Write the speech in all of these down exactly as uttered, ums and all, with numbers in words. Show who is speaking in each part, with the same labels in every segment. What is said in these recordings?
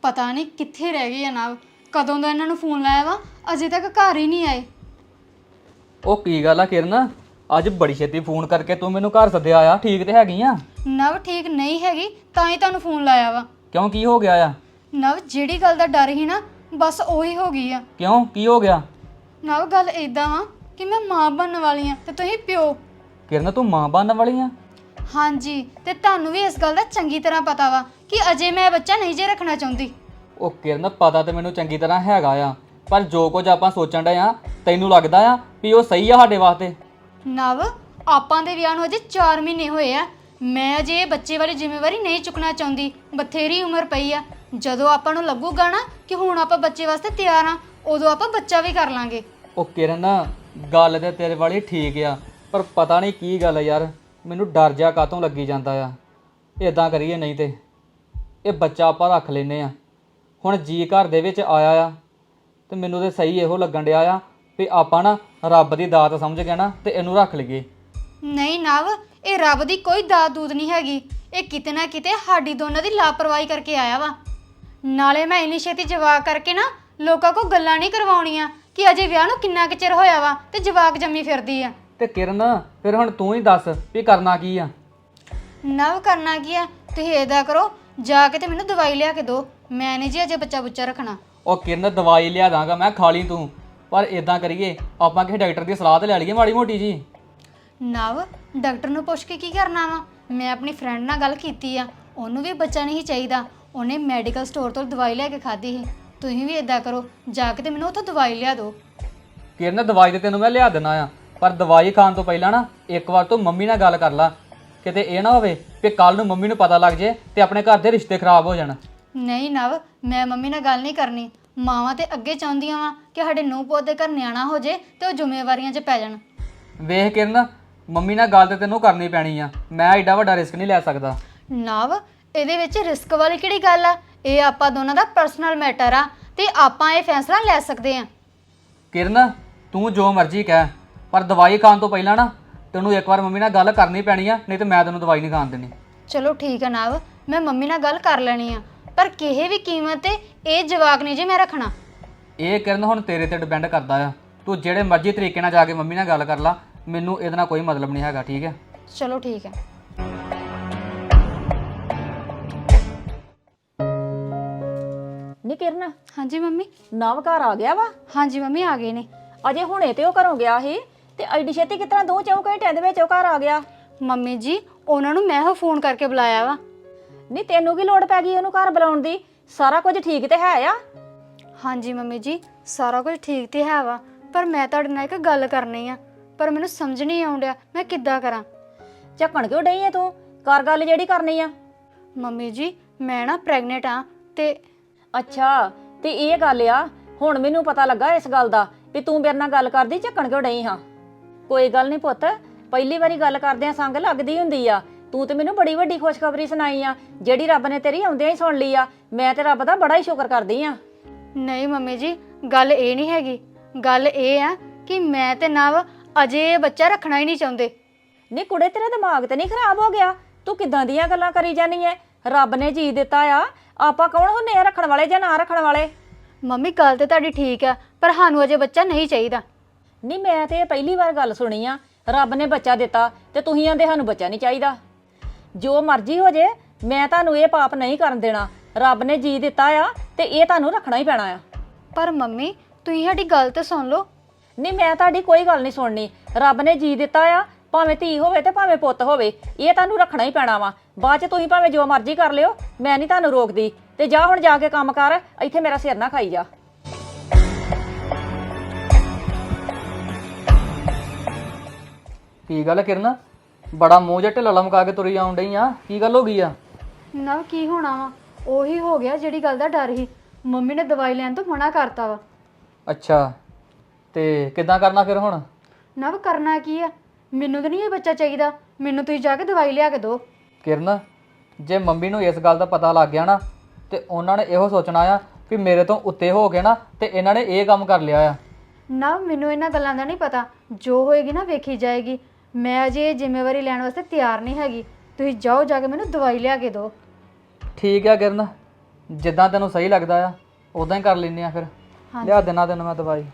Speaker 1: ਪਤਾ ਨਹੀਂ ਕਿੱਥੇ ਰਹਿ ਗਏ ਆ ਨਾ। ਕਦੋਂ ਦਾ ਇਹਨਾਂ ਨੂੰ ਫੋਨ ਲਾਇਆ ਵਾ, ਅਜੇ ਤੱਕ ਘਰ ਹੀ ਨਹੀਂ ਆਏ।
Speaker 2: ਉਹ ਕੀ ਗੱਲ ਆ ਕਿਰਨ, ਅੱਜ ਬੜੀ ਛੇਤੀ ਫੋਨ ਕਰਕੇ ਤੂੰ ਮੈਨੂੰ ਘਰ ਸੱਦਿਆ ਆ? ਠੀਕ ਤੇ ਹੈਗੀ ਆ?
Speaker 1: ਨਵ ਠੀਕ ਨਹੀਂ ਹੈਗੀ, ਤਾਂ ਹੀ ਤੁਹਾਨੂੰ ਫੋਨ ਲਾਇਆ ਵਾ।
Speaker 2: ਕਿਉਂ, ਕੀ ਹੋ ਗਿਆ ਆ?
Speaker 1: ਨਵ ਜਿਹੜੀ ਗੱਲ ਦਾ ਡਰ ਸੀ ਨਾ, ਬਸ ਉਹੀ ਹੋ ਗਈ ਆ।
Speaker 2: ਕਿਉਂ, ਕੀ ਹੋ ਗਿਆ?
Speaker 1: ਨਵ ਗੱਲ ਇਦਾਂ ਵਾ ਕਿ ਮੈਂ ਮਾਂ ਬਣਨ ਵਾਲੀ ਆ ਤੇ ਤੁਸੀਂ ਪਿਓ।
Speaker 2: ਕਿਰਨ ਤੂੰ ਮਾਂ ਬਣਨ ਵਾਲੀ ਆ?
Speaker 1: ਹਾਂਜੀ, ਤੇ ਤੁਹਾਨੂੰ ਵੀ ਇਸ ਗੱਲ ਦਾ ਚੰਗੀ ਤਰ੍ਹਾਂ ਪਤਾ ਵਾ ਕਿ ਅਜੇ ਮੈਂ ਬੱਚਾ ਨਹੀਂ ਜੇ ਰੱਖਣਾ ਚਾਹੁੰਦੀ।
Speaker 2: ਉਹ ਕਿਰਨ ਪਤਾ ਤੇ ਮੈਨੂੰ ਚੰਗੀ ਤਰ੍ਹਾਂ ਹੈਗਾ ਆ, ਪਰ ਜੋ ਕੁਝ ਆਪਾਂ ਸੋਚਣ ਡਏ ਆ ਤੈਨੂੰ ਲੱਗਦਾ ਆ ਵੀ ਉਹ ਸਹੀ ਆ ਸਾਡੇ ਵਾਸਤੇ?
Speaker 1: ਨਵ ਆਪਾਂ ਦੇ ਵਿਆਹ ਨੂੰ ਅਜੇ ਚਾਰ ਮਹੀਨੇ ਹੋਏ ਆ। ਮੈਂ ਅਜੇ ਇਹ ਬੱਚੇ ਵਾਲੀ ਜ਼ਿੰਮੇਵਾਰੀ ਨਹੀਂ ਚੁੱਕਣਾ ਚਾਹੁੰਦੀ। ਬਥੇਰੀ ਉਮਰ ਪਈ ਆ। ਜਦੋਂ ਆਪਾਂ ਨੂੰ ਲੱਗੂਗਾ ਨਾ ਕਿ ਹੁਣ ਆਪਾਂ ਬੱਚੇ ਵਾਸਤੇ ਤਿਆਰ ਆ, ਉਦੋਂ ਆਪਾਂ ਬੱਚਾ ਵੀ ਕਰ ਲਾਂਗੇ।
Speaker 2: ਉਹ ਕਿਰਨ ਗੱਲ ਤੇ ਤੇਰੇ ਵਾਲੀ ਠੀਕ ਆ, ਪਰ ਪਤਾ ਨਹੀਂ ਕੀ ਗੱਲ ਆ ਯਾਰ, ਮੈਨੂੰ ਡਰ ਜਾ ਕਾਤੋਂ ਲੱਗੀ ਜਾਂਦਾ ਆ। ਇਦਾਂ ਕਰੀਏ ਨਹੀਂ ਤੇ ਇਹ ਬੱਚਾ ਆਪਾਂ ਰੱਖ ਲੈਨੇ ਆ। ਹੁਣ ਜੀ ਘਰ ਦੇ ਵਿੱਚ ਆਇਆ ਆ ਤੇ ਮੈਨੂੰ ਤੇ ਸਹੀ ਇਹੋ ਲੱਗਣ ਡਿਆ ਆ ਵੀ ਆਪਾਂ ਨਾ ਰੱਬ ਦੀ ਦਾਤ ਸਮਝ ਕੇ ਨਾ ਤੇ ਇਹਨੂੰ ਰੱਖ ਲਈਏ।
Speaker 1: ਨਹੀਂ ਨਵ, ਇਹ ਰੱਬ ਦੀ ਕੋਈ ਦਾਤ ਦੂਤ ਨਹੀਂ ਹੈਗੀ। ਇਹ ਕਿਤੇ ਨਾ ਕਿਤੇ ਸਾਡੀ ਦੋਨਾਂ ਦੀ ਲਾਪਰਵਾਹੀ ਕਰਕੇ ਆਇਆ ਵਾ। ਨਾਲੇ ਮੈਂ ਇੰਨੀ ਛੇਤੀ ਜਵਾਕ ਕਰਕੇ ਨਾ ਲੋਕਾਂ ਕੋਲ ਗੱਲਾਂ ਨਹੀਂ ਕਰਵਾਉਣੀਆਂ ਕਿ ਅਜੇ ਵਿਆਹ ਨੂੰ ਕਿੰਨਾ ਕੁ ਚਿਰ ਹੋਇਆ ਵਾ ਤੇ ਜਵਾਕ ਜੰਮੀ ਫਿਰਦੀ ਆ।
Speaker 2: ਤੇ ਕਿਰਨ ਫਿਰ ਹੁਣ ਤੂੰ ਹੀ ਦੱਸ ਵੀ ਕਰਨਾ ਕੀ ਆ?
Speaker 1: ਨਵ ਕਰਨਾ ਕੀ ਆ, ਤੁਸੀਂ ਇਹਦਾ ਕਰੋ, ਜਾ ਕੇ ਤੇ ਮੈਨੂੰ ਦਵਾਈ ਲਿਆ ਕੇ ਦਿਓ। ਮੈਂ ਨਹੀਂ ਜੀ ਅਜੇ ਬੱਚਾ ਬੁੱਚਾ ਰੱਖਣਾ।
Speaker 2: ਉਹ ਕਿਰਨ ਦਵਾਈ ਲਿਆ ਦਾਂਗਾ ਮੈਂ, ਖਾ ਲਈ ਤੂੰ, ਪਰ ਇਦਾਂ ਕਰੀਏ ਆਪਾਂ ਕਿਸੇ ਡਾਕਟਰ ਦੀ ਸਲਾਹ ਤੇ ਲੈ ਲਈਏ ਮਾੜੀ ਮੋਟੀ ਜੀ।
Speaker 1: ਨਵ ਡਾਕਟਰ ਨੂੰ ਪੁੱਛ ਕੇ ਕੀ ਕਰਨਾ ਵਾ? ਮੈਂ ਆਪਣੀ ਫਰੈਂਡ ਨਾਲ ਗੱਲ ਕੀਤੀ ਆ, ਉਹਨੂੰ ਵੀ ਬੱਚਾ ਨਹੀਂ ਚਾਹੀਦਾ। ਉਹਨੇ ਮੈਡੀਕਲ ਸਟੋਰ ਤੋਂ ਦਵਾਈ ਲੈ ਕੇ ਖਾਧੀ ਸੀ। ਤੁਸੀਂ ਵੀ ਇਦਾਂ ਕਰੋ, ਜਾ ਕੇ ਤੇ ਮੈਨੂੰ ਉੱਥੋਂ ਦਵਾਈ ਲਿਆ ਦਿਓ।
Speaker 2: ਕਿਰਨ ਦਵਾਈ ਤੇ ਤੈਨੂੰ ਮੈਂ ਲਿਆ ਦੇਣਾ ਆ, ਪਰ ਦਵਾਈ ਖਾਣ ਤੋਂ ਪਹਿਲਾਂ ਨਾ ਇੱਕ ਵਾਰ ਤੂੰ ਮੰਮੀ ਨਾਲ ਗੱਲ ਕਰ ਲਾ। ਕਿਤੇ ਇਹ ਨਾ ਹੋਵੇ ਕਿ ਕੱਲ ਨੂੰ ਮੰਮੀ ਨੂੰ ਪਤਾ ਲੱਗ ਜੇ ਤੇ ਆਪਣੇ ਘਰ ਦੇ ਰਿਸ਼ਤੇ ਖਰਾਬ ਹੋ ਜਾਣ।
Speaker 1: ਨਹੀਂ ਨਵ, ਮੈਂ ਮੰਮੀ ਨਾਲ ਗੱਲ ਨਹੀਂ ਕਰਨੀ। ਮਾਵਾਂ ਤੇ ਅੱਗੇ ਚਾਹੁੰਦੀਆਂ ਵਾ ਕਿ ਸਾਡੇ ਨੂੰਹ ਪੁੱਤ ਦੇ ਘਰ ਨਿਆਣਾ ਹੋ ਜੇ ਤੇ ਉਹ ਜ਼ਿੰਮੇਵਾਰੀਆਂ 'ਚ ਪੈ ਜਾਣ।
Speaker 2: ਵੇਖ ਕਿਰਨ, ਮੰਮੀ ਨਾਲ ਗੱਲ ਤੇ ਤੈਨੂੰ ਕਰਨੀ ਪੈਣੀ ਆ। ਮੈਂ ਐਡਾ ਵੱਡਾ ਰਿਸਕ ਨਹੀਂ ਲੈ ਸਕਦਾ।
Speaker 1: ਨਵ ਇਹਦੇ ਵਿੱਚ ਰਿਸਕ ਵਾਲੀ ਕਿਹੜੀ ਗੱਲ ਆ? ਇਹ ਆਪਾਂ ਦੋਨਾਂ ਦਾ ਪਰਸਨਲ ਮੈਟਰ ਆ ਤੇ ਆਪਾਂ ਇਹ ਫੈਸਲਾ ਲੈ ਸਕਦੇ ਆ।
Speaker 2: ਕਿਰਨ ਤੂੰ ਜੋ ਮਰਜ਼ੀ ਕਹਿ, ਪਰ ਦਵਾਈ ਖਾਣ ਤੋਂ ਪਹਿਲਾਂ ਨਾ ਤੈਨੂੰ ਇੱਕ ਵਾਰ ਮੰਮੀ ਨਾਲ ਗੱਲ ਕਰਨੀ ਪੈਣੀ ਆ, ਨਹੀਂ ਤੇ ਮੈਂ ਤੈਨੂੰ ਦਵਾਈ ਨਹੀਂ ਖਾਣ ਦੇਣੀ।
Speaker 1: ਚਲੋ ਠੀਕ ਆ ਨਵ, ਮੈਂ ਮੰਮੀ ਨਾਲ ਗੱਲ ਕਰ ਲੈਣੀ ਆ, ਪਰ ਕਿਸੇ ਵੀ ਕੀਮਤ ਤੇ ਇਹ ਜਵਾਕ ਨਹੀਂ ਜੇ ਮੈਂ ਰੱਖਣਾ।
Speaker 2: ਇਹ ਕਿਰਨ ਹੁਣ ਤੇਰੇ ਤੇ ਡਿਪੈਂਡ ਕਰਦਾ ਆ। ਤੂੰ ਜਿਹੜੇ ਮਰਜ਼ੀ ਤਰੀਕੇ ਨਾਲ ਜਾ ਕੇ ਮੰਮੀ ਨਾਲ ਗੱਲ ਕਰ ਲਾ, ਮੈਨੂੰ ਇਹਦੇ ਨਾਲ ਕੋਈ ਮਤਲਬ ਨਹੀਂ ਹੈਗਾ, ਠੀਕ ਹੈ?
Speaker 1: ਚਲੋ ਠੀਕ ਹੈ।
Speaker 3: ਨੀ ਕਿਰਨ,
Speaker 1: ਹਾਂਜੀ ਮੰਮੀ।
Speaker 3: ਨਵ ਘਰ ਆ ਗਿਆ ਵਾ?
Speaker 1: ਹਾਂਜੀ ਮੰਮੀ ਆ ਗਏ ਨੇ।
Speaker 3: ਅਜੇ ਹੁਣੇ ਤੇ ਉਹ ਘਰੋਂ ਗਿਆ ਸੀ ਤੇ ਐਡੀ ਛੇਤੀ ਕਿਤਨਾ ਦੋ ਚੌ ਘੰਟਿਆਂ ਦੇ ਵਿੱਚ ਉਹ ਘਰ ਆ ਗਿਆ?
Speaker 1: ਮੰਮੀ ਜੀ ਉਹਨਾਂ ਨੂੰ ਮੈਂ ਹੋ ਫੋਨ ਕਰਕੇ ਬੁਲਾਇਆ ਵਾ।
Speaker 3: ਨਹੀਂ ਤੈਨੂੰ ਕੀ ਲੋੜ ਪੈ ਗਈ ਉਹਨੂੰ ਘਰ ਬੁਲਾਉਣ ਦੀ? ਸਾਰਾ ਕੁਝ ਠੀਕ ਤੇ ਹੈ ਆ?
Speaker 1: ਹਾਂਜੀ ਮੰਮੀ ਜੀ ਸਾਰਾ ਕੁਝ ਠੀਕ ਤੇ ਹੈ ਵਾ, ਪਰ ਮੈਂ ਤੁਹਾਡੇ ਨਾਲ ਇੱਕ ਗੱਲ ਕਰਨੀ ਆ, ਪਰ ਮੈਨੂੰ ਸਮਝ ਨਹੀਂ ਆਉਣ ਡਿਆ ਮੈਂ ਕਿੱਦਾਂ ਕਰਾਂ।
Speaker 3: ਝੱਕਣ ਕਿਉਂ ਡਈ ਐ ਤੂੰ? ਕਰ ਗੱਲ ਜਿਹੜੀ ਕਰਨੀ ਆ।
Speaker 1: ਮੰਮੀ ਜੀ ਮੈਂ ਨਾ ਪ੍ਰੈਗਨੈਂਟ ਆ ਤੇ
Speaker 3: ਅੱਛਾ, ਤੇ ਇਹ ਗੱਲ ਆ, ਹੁਣ ਮੈਨੂੰ ਪਤਾ ਲੱਗਾ ਇਸ ਗੱਲ ਦਾ ਵੀ ਤੂੰ ਮੇਰੇ ਨਾਲ ਗੱਲ ਕਰਦੀ, ਝੱਕਣ ਕਿਉਂ ਡਈ ਹਾਂ? ਕੋਈ ਗੱਲ ਨਹੀਂ ਪੁੱਤ, ਪਹਿਲੀ ਵਾਰੀ ਗੱਲ ਕਰਦਿਆਂ ਸੰਗ ਲੱਗਦੀ ਹੁੰਦੀ ਆ। ਤੂੰ ਤੇ ਮੈਨੂੰ ਬੜੀ ਵੱਡੀ ਖੁਸ਼ਖਬਰੀ ਸੁਣਾਈ ਆ, ਜਿਹੜੀ ਰੱਬ ਨੇ ਤੇਰੀ ਆਉਂਦਿਆਂ ਹੀ ਸੁਣ ਲਈ ਆ। ਮੈਂ ਤੇ ਰੱਬ ਦਾ ਬੜਾ ਹੀ ਸ਼ੁਕਰ ਕਰਦੀ ਆ।
Speaker 1: ਨਹੀਂ ਮੰਮੀ ਜੀ ਗੱਲ ਇਹ ਨਹੀਂ ਹੈਗੀ, ਗੱਲ ਇਹ ਆ ਕਿ ਮੈਂ ਤੇ ਨਵ ਅਜੇ ਬੱਚਾ ਰੱਖਣਾ ਹੀ ਨਹੀਂ ਚਾਹੁੰਦੇ।
Speaker 3: ਨਹੀਂ ਕੁੜੇ, ਤੇਰਾ ਦਿਮਾਗ ਤੇ ਨਹੀਂ ਖਰਾਬ ਹੋ ਗਿਆ? ਤੂੰ ਕਿੱਦਾਂ ਦੀਆਂ ਗੱਲਾਂ ਕਰੀ ਜਾਨੀ ਐ? ਰੱਬ ਨੇ ਜੀ ਦਿੱਤਾ ਆ, ਆਪਾਂ ਕੌਣ ਹੁੰਨੇ ਆ ਰੱਖਣ ਵਾਲੇ ਜਾਂ ਨਾ ਰੱਖਣ ਵਾਲੇ?
Speaker 1: ਮੰਮੀ ਗੱਲ ਤੇ ਤੁਹਾਡੀ ਠੀਕ ਆ, ਪਰ ਸਾਨੂੰ ਅਜੇ ਬੱਚਾ ਨਹੀਂ ਚਾਹੀਦਾ।
Speaker 3: ਨਹੀਂ ਮੈਂ ਤੇ ਇਹ ਪਹਿਲੀ ਵਾਰ ਗੱਲ ਸੁਣੀ ਆ, ਰੱਬ ਨੇ ਬੱਚਾ ਦਿੱਤਾ ਤੇ ਤੁਸੀਂ ਆਂਦੇ ਸਾਨੂੰ ਬੱਚਾ ਨਹੀਂ ਚਾਹੀਦਾ। ਜੋ ਮਰਜ਼ੀ ਹੋ ਜੇ, ਮੈਂ ਤੁਹਾਨੂੰ ਇਹ ਪਾਪ ਨਹੀਂ ਕਰਨ ਦੇਣਾ। ਰੱਬ ਨੇ ਜੀ ਦਿੱਤਾ ਆ ਤੇ ਇਹ ਤੁਹਾਨੂੰ ਰੱਖਣਾ ਹੀ ਪੈਣਾ ਆ।
Speaker 1: ਪਰ ਮੰਮੀ ਤੁਸੀਂ ਸਾਡੀ ਗੱਲ ਤੇ ਸੁਣ ਲਓ।
Speaker 3: ਨਹੀਂ ਮੈਂ ਤੁਹਾਡੀ ਕੋਈ ਗੱਲ ਨਹੀਂ ਸੁਣਨੀ। ਰੱਬ ਨੇ ਜੀ ਦਿੱਤਾ ਆ, ਭਾਵੇਂ ਧੀ ਹੋਵੇ ਤੇ ਭਾਵੇਂ ਪੁੱਤ ਹੋਵੇ, ਇਹ ਤੁਹਾਨੂੰ ਰੱਖਣਾ ਹੀ ਪੈਣਾ ਵਾ। ਬਾਅਦ ਚ ਤੁਸੀਂ ਭਾਵੇਂ ਜੋ ਮਰਜ਼ੀ ਕਰ ਲਿਓ, ਮੈਂ ਨਹੀਂ ਤੁਹਾਨੂੰ ਰੋਕਦੀ। ਤੇ ਜਾ ਹੁਣ ਜਾ ਕੇ ਕੰਮ ਕਰ, ਇੱਥੇ ਮੇਰਾ ਸਿਰ ਨਾ ਖਾਈ ਜਾ।
Speaker 2: ਕੀ ਗੱਲ ਕਿਰਨ, ਬੜਾ ਮੂੰਹ ਜਿਹਾ ਢਿੱਲਾ ਲਮਕਾ ਕੇ ਤੁਰੀ ਆਉਣ ਡਈ ਆ, ਕੀ ਗੱਲ ਹੋ ਗਈ ਆ?
Speaker 1: ਨਾ ਕੀ ਹੋਣਾ ਵਾ, ਉਹੀ ਹੋ ਗਿਆ ਜਿਹੜੀ ਗੱਲ ਦਾ ਡਰ ਸੀ। ਮੰਮੀ ਨੇ ਦਵਾਈ ਲੈਣ ਤੋਂ ਮਨਾ ਕਰਤਾ ਵਾ।
Speaker 2: ਅੱਛਾ, ਤੇ ਕਿੱਦਾਂ ਕਰਨਾ ਫਿਰ ਹੁਣ?
Speaker 1: ਨਵ ਕਰਨਾ ਕੀ ਆ, ਮੈਨੂੰ ਤਾਂ ਨਹੀਂ ਇਹ ਬੱਚਾ ਚਾਹੀਦਾ। ਮੈਨੂੰ ਤੁਸੀਂ ਜਾ ਕੇ ਦਵਾਈ ਲਿਆ ਕੇ ਦਿਓ।
Speaker 2: ਕਿਰਨ ਜੇ ਮੰਮੀ ਨੂੰ ਇਸ ਗੱਲ ਦਾ ਪਤਾ ਲੱਗ ਗਿਆ ਨਾ ਤੇ ਉਹਨਾਂ ਨੇ ਇਹੋ ਸੋਚਣਾ ਆ ਵੀ ਮੇਰੇ ਤੋਂ ਉੱਤੇ ਹੋ ਕੇ ਨਾ ਤੇ ਇਹਨਾਂ ਨੇ ਇਹ ਕੰਮ ਕਰ ਲਿਆ ਆ।
Speaker 1: ਨਾ ਮੈਨੂੰ ਇਹਨਾਂ ਗੱਲਾਂ ਦਾ ਨਹੀਂ ਪਤਾ, ਜੋ ਹੋਏਗੀ ਨਾ ਵੇਖੀ ਜਾਏਗੀ। ਮੈਂ ਅਜੇ ਇਹ ਜ਼ਿੰਮੇਵਾਰੀ ਲੈਣ ਵਾਸਤੇ ਤਿਆਰ ਨਹੀਂ ਹੈਗੀ। ਤੁਸੀਂ ਜਾਓ, ਜਾ ਕੇ ਮੈਨੂੰ ਦਵਾਈ ਲਿਆ ਕੇ ਦਿਓ।
Speaker 2: ਠੀਕ ਆ ਕਿਰਨ, ਜਿੱਦਾਂ ਤੈਨੂੰ ਸਹੀ ਲੱਗਦਾ ਆ ਉਦਾਂ ਹੀ ਕਰ ਲੈਨੇ ਆ ਫਿਰ। ਲਿਆ ਦੇਣਾ ਤੈਨੂੰ ਮੈਂ ਦਵਾਈ।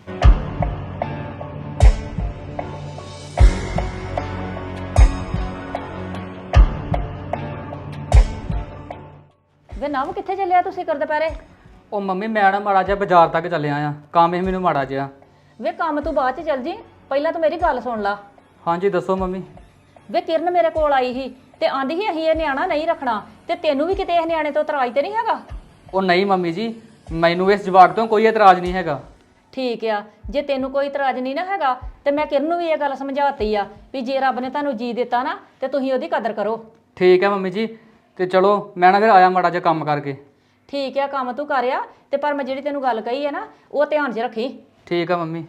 Speaker 3: ਵੇ ਨਵ ਕਿੱਥੇ ਚੱਲਿਆ ਤੁਸੀਂ ਕਰ ਦੁਪਹਿਰੇ?
Speaker 2: ਉਹ ਮੰਮੀ ਮੈਂ ਨਾ ਮਾੜਾ ਜਿਹਾ ਬਾਜ਼ਾਰ ਤੱਕ ਚੱਲਿਆ ਆ, ਕੰਮ ਇਹ ਮੈਨੂੰ ਮਾੜਾ ਜਿਹਾ।
Speaker 3: ਵੇ ਕੰਮ ਤੂੰ ਬਾਅਦ ਚ ਚੱਲ ਜੀ, ਪਹਿਲਾਂ ਤੂੰ ਮੇਰੀ ਗੱਲ ਸੁਣ ਲਾ।
Speaker 2: ਹਾਂਜੀ ਦੱਸੋ ਮੰਮੀ।
Speaker 3: ਵੇ ਕਿਰਨ ਮੇਰੇ ਕੋਲ ਆਈ ਸੀ ਤੇ ਆਂਦੀ ਸੀ ਅਸੀਂ ਇਹ ਨਿਆਣਾ ਨਹੀਂ ਰੱਖਣਾ, ਤੇ ਤੈਨੂੰ ਵੀ ਕਿਤੇ ਇਸ ਨਿਆਣੇ ਤੋਂ ਇਤਰਾਜ਼ ਤੇ ਨਹੀਂ ਹੈਗਾ?
Speaker 2: ਉਹ ਨਹੀਂ ਮੰਮੀ ਜੀ, ਮੈਨੂੰ ਇਸ ਜਵਾਕ ਤੋਂ ਕੋਈ ਇਤਰਾਜ਼ ਨਹੀਂ ਹੈਗਾ।
Speaker 3: ਠੀਕ ਆ, ਜੇ ਤੈਨੂੰ ਕੋਈ ਇਤਰਾਜ਼ ਨਹੀਂ ਨਾ ਹੈਗਾ ਤੇ ਮੈਂ ਕਿਰਨ ਨੂੰ ਵੀ ਇਹ ਗੱਲ ਸਮਝਾਤੀ ਆ ਵੀ ਜੇ ਰੱਬ ਨੇ ਤੁਹਾਨੂੰ ਜੀ ਦਿੱਤਾ ਨਾ ਤੇ ਤੁਸੀਂ ਉਹਦੀ ਕਦਰ ਕਰੋ।
Speaker 2: ਠੀਕ ਹੈ ਮੰਮੀ ਜੀ, ਤੇ ਚਲੋ ਮੈਂ ਨਾ ਫਿਰ ਆਇਆ ਮਾੜਾ ਜਿਹਾ ਕੰਮ ਕਰਕੇ।
Speaker 3: ਠੀਕ ਆ, ਕੰਮ ਤੂੰ ਕਰਿਆ, ਤੇ ਪਰ ਮੈਂ ਜਿਹੜੀ ਤੈਨੂੰ ਗੱਲ ਕਹੀ ਹੈ ਨਾ ਉਹ ਧਿਆਨ 'ਚ ਰੱਖੀ।
Speaker 2: ਠੀਕ ਆ ਮੰਮੀ।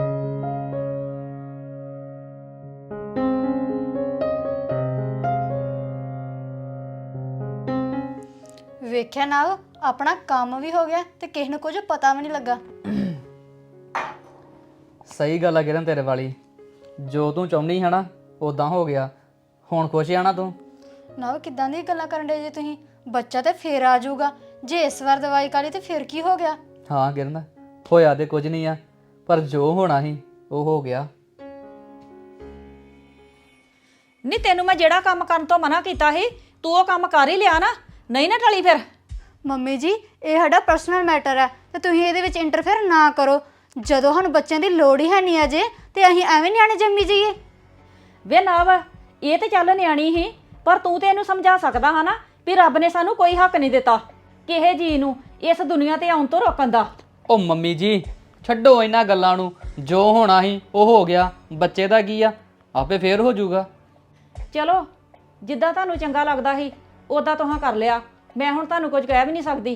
Speaker 1: ਵੇਖਿਆ ਨਾ, ਆਪਣਾ ਕੰਮ ਵੀ ਹੋ ਗਿਆ ਤੇ ਕਿਸੇ ਨੂੰ ਕੁਝ ਪਤਾ ਵੀ ਨਹੀਂ ਲੱਗਾ।
Speaker 2: ਸਹੀ ਗੱਲ ਆ ਕਿਰਨ ਤੇਰੇ ਵਾਲੀ, ਜੋ ਤੂੰ ਚਾਹੁੰਦੀ ਹੈ ਨਾ ਉਦਾਂ ਹੋ ਗਿਆ। ਹੁਣ ਖੁਸ਼ ਆ ਨਾ ਤੂੰ?
Speaker 1: ਨਾ ਕਿੱਦਾਂ ਦੀ ਗੱਲਾਂ ਕਰਨ ਡੇ ਜੇ ਤੁਸੀਂ? ਬੱਚਾ ਤੇ ਫੇਰ ਆ ਜਾਊਗਾ, ਜੇ ਇਸ ਵਾਰ ਦਵਾਈ ਕਾਲੀ ਤੇ ਫਿਰ ਕੀ ਹੋ ਗਿਆ?
Speaker 2: ਹਾਂ ਕਿਰਨ, ਹੋਇਆ ਤੇ ਕੁਝ ਨਹੀਂ ਆ, ਪਰ ਜੋ ਹੋਣਾ ਸੀ ਉਹ ਹੋ ਗਿਆ।
Speaker 3: ਨਹੀਂ ਤੈਨੂੰ ਮੈਂ ਜਿਹੜਾ ਕੰਮ ਕਰਨ ਤੋਂ ਮਨਾ ਕੀਤਾ ਸੀ ਤੂੰ ਉਹ ਕੰਮ ਕਰ ਹੀ ਲਿਆ ਨਾ, ਨਹੀਂ ਨਾ ਟਲੀ ਫਿਰ?
Speaker 1: ਮੰਮੀ ਜੀ, ਇਹ ਸਾਡਾ ਪਰਸਨਲ ਮੈਟਰ ਹੈ ਤੇ ਤੁਸੀਂ ਇਹਦੇ ਵਿੱਚ ਇੰਟਰਫੇਅਰ ਨਾ ਕਰੋ। ਜਦੋਂ ਸਾਨੂੰ ਬੱਚਿਆਂ ਦੀ ਲੋੜ ਹੀ ਹੈ ਨਹੀਂ ਅਜੇ ਤੇ ਅਸੀਂ ਐਵੇਂ ਨਿਆਣੇ ਜੰਮੀ ਜਾਈਏ?
Speaker 3: ਵੇ ਨਾ ਵਾ, ਇਹ ਤੇ ਚੱਲ ਨਿਆਣੀ ਸੀ, ਪਰ ਤੂੰ ਤੇ ਇਹਨੂੰ ਸਮਝਾ ਸਕਦਾ ਹਾਂ ਨਾ ਵੀ ਰੱਬ ਨੇ ਸਾਨੂੰ ਕੋਈ ਹੱਕ ਨਹੀਂ ਦਿੱਤਾ ਕਿਸੇ ਜੀ ਨੂੰ ਇਸ ਦੁਨੀਆ ਤੇ ਆਉਣ ਤੋਂ ਰੋਕਣ ਦਾ।
Speaker 2: ਉਹ ਮੰਮੀ ਜੀ ਛੱਡੋ ਇਹਨਾਂ ਗੱਲਾਂ ਨੂੰ, ਜੋ ਹੋਣਾ ਸੀ ਉਹ ਹੋ ਗਿਆ। ਬੱਚੇ ਦਾ ਕੀ ਆ, ਆਪੇ ਫੇਰ ਹੋ ਜਾਊਗਾ।
Speaker 3: ਚਲੋ ਜਿੱਦਾਂ ਤੁਹਾਨੂੰ ਚੰਗਾ ਲੱਗਦਾ ਸੀ ਉਦਾਂ ਤੁਸੀਂ ਕਰ ਲਿਆ, ਮੈਂ ਹੁਣ ਤੁਹਾਨੂੰ ਕੁਝ ਕਹਿ ਵੀ ਨਹੀਂ ਸਕਦੀ।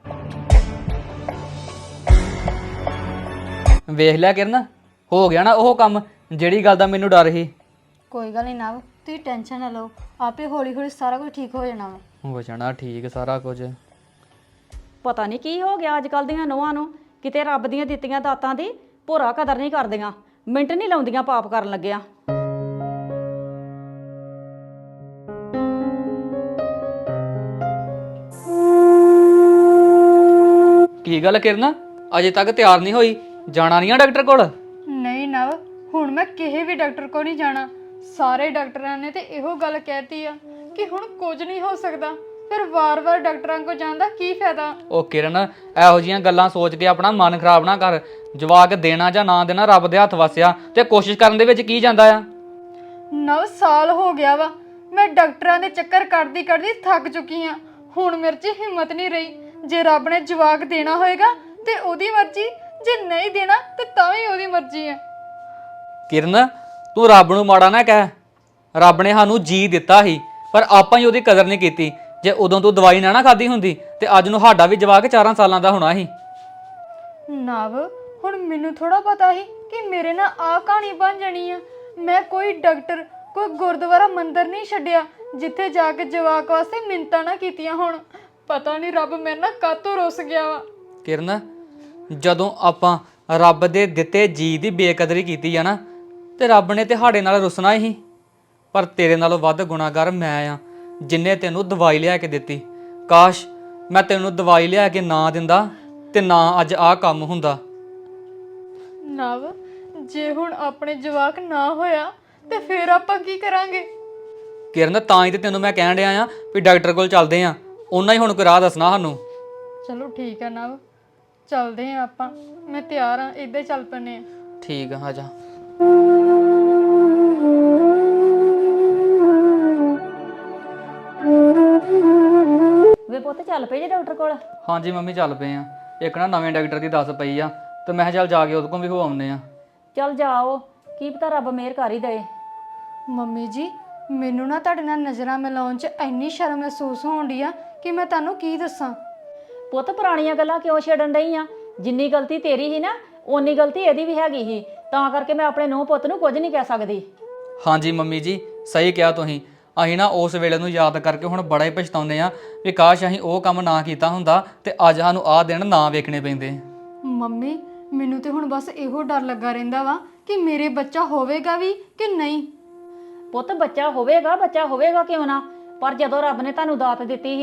Speaker 2: ਵੇਖ ਲਿਆ ਕਿਰਨ, ਹੋ ਗਿਆ ਨਾ ਉਹ ਕੰਮ ਜਿਹੜੀ ਗੱਲ ਦਾ ਮੈਨੂੰ ਡਰ ਸੀ।
Speaker 1: ਕੋਈ ਗੱਲ ਨਹੀਂ ਨਾ, ਤੁਸੀਂ ਟੈਨਸ਼ਨ ਨਾ ਲਓ, ਆਪੇ ਹੌਲੀ ਹੌਲੀ ਸਾਰਾ ਕੁਝ ਠੀਕ ਹੋ ਜਾਣਾ ਵਾ।
Speaker 2: ਹੋ ਜਾਣਾ ਠੀਕ ਸਾਰਾ ਕੁਝ।
Speaker 3: ਪਤਾ ਨਹੀਂ ਕੀ ਹੋ ਗਿਆ ਅੱਜ ਕੱਲ੍ਹ ਦੀਆਂ ਨੂੰਹਾਂ ਨੂੰ, ਕਿਤੇ ਰੱਬ ਦੀਆਂ ਦਿੱਤੀਆਂ ਦਾਤਾਂ ਦੀ ਭੋਰਾ ਕਦਰ ਨਹੀਂ ਕਰਦੀਆਂ, ਮਿੰਟ ਨਹੀਂ ਲਾਉਂਦੀਆਂ ਪਾਪ ਕਰਨ ਲੱਗਿਆ।
Speaker 2: ਕੀ ਗੱਲ ਕਿਰਨ, ਅਜੇ ਤੱਕ ਤਿਆਰ ਨਹੀਂ ਹੋਈ? ਜਾਣਾ ਨਹੀਂ ਆ ਡਾਕਟਰ ਕੋਲ?
Speaker 1: ਨਹੀਂ ਨਵ, ਹੁਣ ਮੈਂ ਕਿਸੇ ਵੀ ਡਾਕਟਰ ਕੋਲ ਨਹੀਂ ਜਾਣਾ। ਸਾਰੇ ਡਾਕਟਰਾਂ ਨੇ ਤੇ ਇਹੋ ਗੱਲ ਕਹਿਤੀ ਆ ਕਿ ਹੁਣ ਕੁਝ ਨਹੀਂ ਹੋ ਸਕਦਾ, ਫਿਰ ਵਾਰ-ਵਾਰ ਡਾਕਟਰਾਂ ਕੋਲ ਜਾਣ ਦਾ ਕੀ ਫਾਇਦਾ?
Speaker 2: ਉਹ ਕਿਰਨ, ਇਹੋ ਜੀਆਂ ਗੱਲਾਂ ਸੋਚ ਕੇ ਆਪਣਾ ਮਨ ਖਰਾਬ ਨਾ ਕਰ। ਜਵਾਕ ਦੇਣਾ ਜਾਂ ਨਾ ਦੇਣਾ ਰੱਬ ਦੇ ਹੱਥ ਵਸਿਆ, ਤੇ ਕੋਸ਼ਿਸ਼ ਕਰਨ ਦੇ ਵਿੱਚ ਕੀ ਜਾਂਦਾ ਆ।
Speaker 1: ਨਵ ਸਾਲ ਹੋ ਗਿਆ ਵਾ, ਮੈਂ ਡਾਕਟਰਾਂ ਦੇ ਚੱਕਰ ਕੱਢਦੀ ਕੱਢਦੀ ਥੱਕ ਚੁੱਕੀ ਆ। ਹੁਣ ਮੇਰੇ 'ਚ ਹਿੰਮਤ ਨਹੀਂ ਰਹੀ। ਜੇ ਰੱਬ ਨੇ ਜਵਾਕ ਦੇਣਾ ਹੋਏਗਾ ਤੇ ਉਹਦੀ ਮਰਜ਼ੀ, ਜੇ ਨਹੀਂ ਦੇਣਾ ਤੇ ਤਾਂ ਵੀ ਉਹਦੀ ਮਰਜ਼ੀ ਆ।
Speaker 2: ਕਿਰਨ ਤੂੰ ਰੱਬ ਨੂੰ ਮਾੜਾ ਨਾ ਕਹਿ। ਰੱਬ ਨੇ ਸਾਨੂੰ ਜੀ ਦਿੱਤਾ ਸੀ, ਪਰ ਆਪਾਂ ਹੀ ਉਹਦੀ ਕਦਰ ਨਹੀਂ ਕੀਤੀ। ਜੇ ਉਦੋਂ ਤੂੰ ਦਵਾਈ ਨਾ ਨਾ ਖਾਦੀ ਹੁੰਦੀ ਤੇ ਅੱਜ ਨੂੰ ਸਾਡਾ ਵੀ ਜਵਾਕ ਚਾਰਾਂ ਸਾਲਾਂ ਦਾ ਹੋਣਾ ਸੀ।
Speaker 1: ਨਵ, ਹੁਣ ਮੈਨੂੰ ਥੋੜਾ ਪਤਾ ਸੀ ਕਿ ਮੇਰੇ ਨਾਲ ਆਹ ਕਹਾਣੀ ਬਣ ਜਾਣੀ ਆ। ਮੈਂ ਕੋਈ ਡਾਕਟਰ, ਕੋਈ ਗੁਰਦੁਆਰਾ ਮੰਦਿਰ ਨਹੀਂ ਛੱਡਿਆ ਜਿੱਥੇ ਜਾ ਕੇ ਜਵਾਕ ਵਾਸਤੇ ਮਿੰਨਤਾਂ ਨਾ ਕੀਤੀਆਂ ਹੋਣ। ਪਤਾ ਨਹੀਂ ਰੱਬ ਮੇਰੇ ਨਾਲ ਕਾਹਤੋਂ ਰੁੱਸ ਗਿਆ ਵਾ।
Speaker 2: ਕਿਰਨ, ਜਦੋਂ ਆਪਾਂ ਰੱਬ ਦੇ ਦਿੱਤੇ ਜੀ ਦੀ ਬੇਕਦਰੀ ਕੀਤੀ ਆ ਨਾ, ਤੇ ਰੱਬ ਨੇ ਤੇ ਸਾਡੇ ਨਾਲ ਰੁੱਸਣਾ ਹੀ। ਪਰ ਤੇਰੇ ਨਾਲੋਂ ਵੱਧ ਗੁਨਾਹਗਾਰ ਮੈਂ ਆ, ਜਿੰਨੇ ਤੈਨੂੰ ਦਵਾਈ ਲਿਆ ਕੇ ਦਿੱਤੀ। ਕਾਸ਼ ਮੈਂ ਤੈਨੂੰ ਦਵਾਈ ਲਿਆ ਕੇ ਨਾ ਦਿੰਦਾ ਤੇ ਨਾ ਅੱਜ ਆਹ ਕੰਮ ਹੁੰਦਾ।
Speaker 1: ਨਵ, ਜੇ ਹੁਣ ਆਪਣੇ ਜਵਾਕ ਨਾ ਹੋਇਆ ਤੇ ਫਿਰ ਆਪਾਂ ਕੀ ਕਰਾਂਗੇ?
Speaker 2: ਕਿਰਨ, ਤਾਂ ਹੀ ਤੇ ਤੈਨੂੰ ਮੈਂ ਕਹਿਣ ਡਿਆ ਆ ਵੀ ਡਾਕਟਰ ਕੋਲ ਚੱਲਦੇ ਆ, ਉਹਨਾਂ ਹੀ ਹੁਣ ਕੋਈ ਰਾਹ ਦੱਸਣਾ ਸਾਨੂੰ।
Speaker 1: ਚਲੋ ਠੀਕ ਆ ਨਵ, ਚੱਲਦੇ ਆ ਆਪਾਂ। ਮੈਂ ਤਿਆਰ ਆ, ਇੱਦਾਂ ਹੀ ਚੱਲ ਪੈਨੇ ਆ।
Speaker 2: ਠੀਕ ਆ, ਆ ਜਾ।
Speaker 3: ਵੇ ਪੁੱਤ ਚੱਲ ਪਏ ਜੇ ਡਾਕਟਰ ਕੋਲ?
Speaker 2: ਹਾਂਜੀ ਮੰਮੀ ਚੱਲ ਪਏ ਆ। ਇੱਕ ਨਾ ਨਵੇਂ ਡਾਕਟਰ ਦੀ ਦੱਸ ਪਈ ਆ, ਤੇ ਮੈਂ ਕਿਹਾ ਚੱਲ ਜਾ ਕੇ ਉਹਦੇ ਕੋਲ ਵੀ ਹੋ ਆਉਂਦੇ ਆ।
Speaker 3: ਚੱਲ ਜਾਓ, ਕੀ ਪਤਾ ਰੱਬ ਮਿਹਰ ਕਰ ਹੀ ਦਏ।
Speaker 1: ਮੰਮੀ ਜੀ, ਮੈਨੂੰ ਨਾ ਤੁਹਾਡੇ ਨਾਲ ਨਜ਼ਰਾਂ ਮਿਲਾਉਣ 'ਚ ਇੰਨੀ ਸ਼ਰਮ ਮਹਿਸੂਸ ਹੋਣ ਡਈ ਆ ਕਿ ਮੈਂ ਤੁਹਾਨੂੰ ਕੀ ਦੱਸਾਂ।
Speaker 3: ਪੁੱਤ ਪੁਰਾਣੀਆਂ ਗੱਲਾਂ ਕਿਉਂ ਛੇੜਨ ਡਈ ਆ? ਜਿੰਨੀ ਗਲਤੀ ਤੇਰੀ ਸੀ ਨਾ ਓਨੀ ਗਲਤੀ ਇਹਦੀ ਵੀ ਹੈਗੀ ਸੀ, ਤਾਂ ਕਰਕੇ ਮੈਂ ਆਪਣੇ ਨੂੰਹ ਪੁੱਤ ਨੂੰ ਕੁਝ ਨਹੀਂ ਕਹਿ ਸਕਦੀ।
Speaker 2: ਹਾਂਜੀ ਮੰਮੀ ਜੀ, ਸਹੀ ਕਿਹਾ ਤੁਸੀਂ। ਅਸੀਂ ਨਾ ਉਸ ਵੇਲੇ ਨੂੰ ਯਾਦ ਕਰਕੇ ਹੁਣ ਬੜਾ ਹੀ ਪਛਤਾਉਂਦੇ ਆ ਵੀ ਕਾਸ਼ ਅਸੀਂ ਉਹ ਕੰਮ ਨਾ ਕੀਤਾ ਹੁੰਦਾ ਤੇ ਅੱਜ ਸਾਨੂੰ ਆਹ ਦਿਨ ਨਾ ਵੇਖਣੇ ਪੈਂਦੇ।
Speaker 1: ਮੰਮੀ, ਮੈਨੂੰ ਤੇ ਹੁਣ ਬਸ ਇਹੋ ਡਰ ਲੱਗਾ ਰਹਿੰਦਾ ਵਾ ਕਿ ਮੇਰੇ ਬੱਚਾ ਹੋਵੇਗਾ ਵੀ ਕਿ ਨਹੀਂ।
Speaker 3: ਪੁੱਤ ਬੱਚਾ ਹੋਵੇਗਾ, ਬੱਚਾ ਹੋਵੇਗਾ ਕਿਉਂ ਨਾ, ਪਰ ਜਦੋਂ ਰੱਬ ਨੇ ਤੁਹਾਨੂੰ ਦਾਤ ਦਿੱਤੀ ਸੀ ਨਾ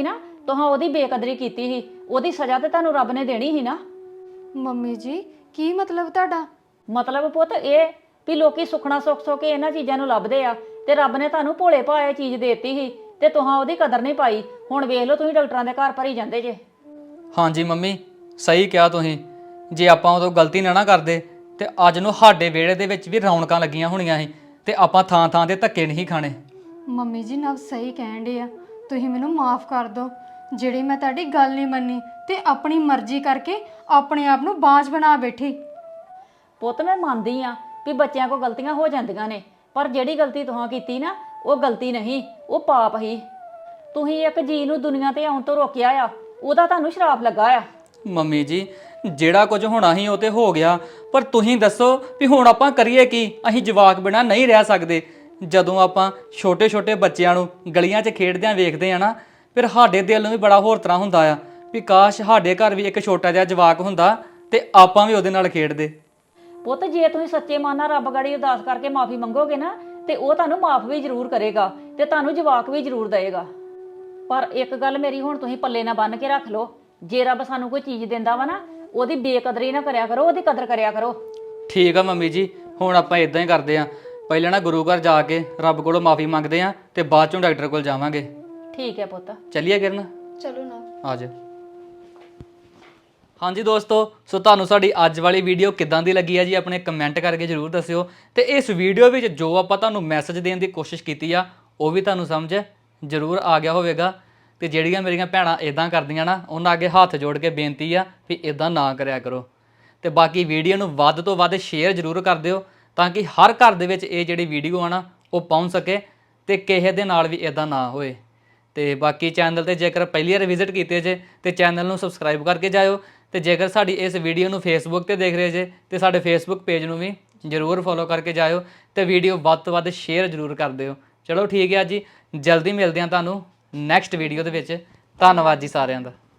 Speaker 3: ਤੁਹਾਂ ਉਹਦੀ ਬੇਕਦਰੀ ਕੀਤੀ ਸੀ, ਉਹਦੀ ਸਜ਼ਾ ਤੇ ਤੁਹਾਨੂੰ ਰੱਬ ਨੇ ਦੇਣੀ ਸੀ ਨਾ।
Speaker 1: ਮੰਮੀ ਜੀ ਕੀ ਮਤਲਬ ਤੁਹਾਡਾ?
Speaker 3: ਮਤਲਬ ਪੁੱਤ ਇਹ ਵੀ ਲੋਕੀ ਸੁਖਣਾ ਸੁੱਖ ਸੋ ਕੇ ਇਹਨਾਂ ਚੀਜ਼ਾਂ ਨੂੰ ਲੱਭਦੇ ਆ, ਤੇ ਰੱਬ ਨੇ ਤੁਹਾਨੂੰ ਭੋਲੇ ਭਾਏ ਚੀਜ਼ ਦੇਤੀ ਸੀ ਤੇ ਤੁਹਾਂ ਉਹਦੀ ਕਦਰ ਨਹੀਂ ਪਾਈ। ਹੁਣ ਵੇਖ ਲਓ ਤੁਸੀਂ ਡਾਕਟਰਾਂ ਦੇ ਘਰ ਭਰੀ ਜਾਂਦੇ ਜੇ।
Speaker 2: ਹਾਂਜੀ ਮੰਮੀ ਸਹੀ ਕਿਹਾ ਤੁਸੀਂ, ਜੇ ਆਪਾਂ ਉਦੋਂ ਗਲਤੀ ਨਾ ਨਾ ਕਰਦੇ ਤੇ ਅੱਜ ਨੂੰ ਸਾਡੇ ਵਿਹੜੇ ਦੇ ਵਿੱਚ ਵੀ ਰੌਣਕਾਂ ਲੱਗੀਆਂ ਹੋਣੀਆਂ ਸੀ ਤੇ ਆਪਾਂ ਥਾਂ ਥਾਂ ਤੇ ਧੱਕੇ ਨਹੀਂ ਖਾਣੇ।
Speaker 1: ਮੰਮੀ ਜੀ ਨਵ ਸਹੀ ਕਹਿਣ ਡੇ ਆ, ਤੁਸੀਂ ਮੈਨੂੰ ਮਾਫ ਕਰ ਦਿਓ ਜਿਹੜੀ ਮੈਂ ਤੁਹਾਡੀ ਗੱਲ ਨਹੀਂ ਮੰਨੀ ਤੇ ਆਪਣੀ ਮਰਜ਼ੀ ਕਰਕੇ ਆਪਣੇ ਆਪ ਨੂੰ ਬਾਂਝ ਬਣਾ ਬੈਠੀ।
Speaker 3: ਪੁੱਤ ਮੈਂ ਮੰਨਦੀ ਆ ਵੀ ਬੱਚਿਆਂ ਕੋਲ ਗਲਤੀਆਂ ਹੋ ਜਾਂਦੀਆਂ ਨੇ, ਪਰ ਜਿਹੜੀ ਗਲਤੀ ਤੁਹਾਂ ਕੀਤੀ ਨਾ ਉਹ ਗਲਤੀ ਨਹੀਂ, ਉਹ ਪਾਪ ਹੀ। ਤੁਸੀਂ ਇੱਕ ਜੀ ਨੂੰ ਦੁਨੀਆ ਤੇ ਆਉਣ ਤੋਂ ਰੋਕਿਆ ਆ, ਉਹਦਾ ਤੁਹਾਨੂੰ ਸ਼ਰਾਪ ਲੱਗਾ ਆ।
Speaker 2: ਮੰਮੀ ਜੀ ਜਿਹੜਾ ਕੁਝ ਹੋਣਾ ਸੀ ਉਹ ਤੇ ਹੋ ਗਿਆ, ਪਰ ਤੁਸੀਂ ਦੱਸੋ ਵੀ ਹੁਣ ਆਪਾਂ ਕਰੀਏ ਕੀ? ਅਸੀਂ ਜਵਾਕ ਬਿਨਾਂ ਨਹੀਂ ਰਹਿ ਸਕਦੇ। ਜਦੋਂ ਆਪਾਂ ਛੋਟੇ ਛੋਟੇ ਬੱਚਿਆਂ ਨੂੰ ਗਲੀਆਂ 'ਚ ਖੇਡਦਿਆਂ ਵੇਖਦੇ ਆ ਨਾ, ਫਿਰ ਸਾਡੇ ਦਿਲ ਨੂੰ ਵੀ ਬੜਾ ਹੋਰ ਤਰ੍ਹਾਂ ਹੁੰਦਾ ਆ ਵੀ ਕਾਸ਼ ਸਾਡੇ ਘਰ ਵੀ ਇੱਕ ਛੋਟਾ ਜਿਹਾ ਜਵਾਕ ਹੁੰਦਾ ਤੇ ਆਪਾਂ ਵੀ ਉਹਦੇ ਨਾਲ ਖੇਡਦੇ।
Speaker 3: ਪੁੱਤ ਜੇ ਤੁਸੀਂ ਸੱਚੇ ਮਨ ਨਾਲ ਰੱਬ ਗਾੜੀ ਅਰਦਾਸ ਕਰਕੇ ਮਾਫੀ ਮੰਗੋਗੇ ਨਾ ਤੇ ਉਹ ਤੁਹਾਨੂੰ ਮਾਫ ਵੀ ਜ਼ਰੂਰ ਕਰੇਗਾ ਤੇ ਤੁਹਾਨੂੰ ਜਵਾਕ ਵੀ ਜ਼ਰੂਰ ਦੇਏਗਾ। ਪਰ ਇੱਕ ਗੱਲ ਮੇਰੀ ਹੁਣ ਤੁਸੀਂ ਪੱਲੇ ਨਾ ਬੰਨ ਕੇ ਰੱਖ ਲਓ, ਜੇ ਰੱਬ ਸਾਨੂੰ ਕੋਈ ਚੀਜ਼ ਦਿੰਦਾ ਵਾ ਨਾ ਉਹਦੀ ਬੇਕਦਰੀ ਨਾ ਕਰਿਆ ਕਰੋ, ਉਹਦੀ ਕਦਰ ਕਰਿਆ ਕਰੋ।
Speaker 2: ਠੀਕ ਆ ਮੰਮੀ ਜੀ, ਹੁਣ ਆਪਾਂ ਇਦਾਂ ਹੀ ਕਰਦੇ ਆ, ਪਹਿਲਾਂ ਨਾ ਗੁਰੂ ਘਰ ਜਾ ਕੇ ਰੱਬ ਕੋਲੋਂ ਮਾਫੀ ਮੰਗਦੇ ਆ ਤੇ ਬਾਅਦ ਚੋਂ ਡਾਕਟਰ ਕੋਲ ਜਾਵਾਂਗੇ।
Speaker 3: ਠੀਕ ਹੈ ਪੁੱਤ।
Speaker 2: ਚੱਲੀਏ ਕਿਰਨ?
Speaker 1: ਚਲੋ ਨਾ
Speaker 2: ਆ ਜਾ। ਹਾਂਜੀ ਦੋਸਤੋ, ਸੋ ਤੁਹਾਨੂੰ ਸਾਡੀ ਅੱਜ ਵਾਲੀ ਵੀਡੀਓ ਕਿੱਦਾਂ ਦੀ ਲੱਗੀ ਆ ਜੀ ਆਪਣੇ ਕਮੈਂਟ ਕਰਕੇ ਜ਼ਰੂਰ ਦੱਸਿਓ। ਤੇ ਇਸ ਵੀਡੀਓ ਵਿੱਚ ਜੋ ਆਪਾਂ ਤੁਹਾਨੂੰ ਮੈਸੇਜ ਦੇਣ ਦੀ ਕੋਸ਼ਿਸ਼ ਕੀਤੀ ਆ ਉਹ ਵੀ ਤੁਹਾਨੂੰ ਸਮਝ ਜ਼ਰੂਰ ਆ ਗਿਆ ਹੋਵੇਗਾ। ਤੇ ਜਿਹੜੀਆਂ ਮੇਰੀਆਂ ਭੈਣਾਂ ਇਦਾਂ ਕਰਦੀਆਂ ਨਾ, ਉਹਨਾਂ ਅੱਗੇ ਹੱਥ ਜੋੜ ਕੇ ਬੇਨਤੀ ਆ ਵੀ ਇਦਾਂ ਨਾ ਕਰਿਆ ਕਰੋ। ਤੇ ਬਾਕੀ ਵੀਡੀਓ ਨੂੰ ਵੱਧ ਤੋਂ ਵੱਧ ਸ਼ੇਅਰ ਜ਼ਰੂਰ ਕਰ ਦਿਓ ਤਾਂ ਕਿ ਹਰ ਘਰ ਦੇ ਵਿੱਚ ਇਹ ਜਿਹੜੀ ਵੀਡੀਓ ਆ ਨਾ ਉਹ ਪਹੁੰਚ ਸਕੇ ਤੇ ਕਿਸੇ ਦੇ ਨਾਲ ਵੀ ਇਦਾਂ ਨਾ ਹੋਏ। ਤੇ ਬਾਕੀ ਚੈਨਲ ਤੇ ਜੇਕਰ ਪਹਿਲੀ ਵਾਰ ਵਿਜ਼ਿਟ ਕੀਤੇ ਜੇ ਤੇ ਚੈਨਲ ਨੂੰ ਸਬਸਕ੍ਰਾਈਬ ਕਰਕੇ ਜਾਇਓ। ਤੇ ਜੇਕਰ ਸਾਡੀ ਇਸ ਵੀਡੀਓ ਨੂੰ ਫੇਸਬੁੱਕ ਤੇ ਦੇਖ ਰਹੇ ਜੇ ਤੇ ਸਾਡੇ ਫੇਸਬੁੱਕ ਪੇਜ ਨੂੰ ਵੀ ਜ਼ਰੂਰ ਫੋਲੋ ਕਰਕੇ ਜਾਇਓ ਤੇ ਵੀਡੀਓ ਵੱਧ ਤੋਂ ਵੱਧ ਸ਼ੇਅਰ ਜ਼ਰੂਰ ਕਰ ਦਿਓ। ਚਲੋ ਠੀਕ ਹੈ ਜੀ, ਜਲਦੀ ਮਿਲਦੇ ਹਾਂ ਤੁਹਾਨੂੰ ਨੈਕਸਟ ਵੀਡੀਓ ਦੇ ਵਿੱਚ। ਧੰਨਵਾਦ ਜੀ ਸਾਰਿਆਂ ਦਾ।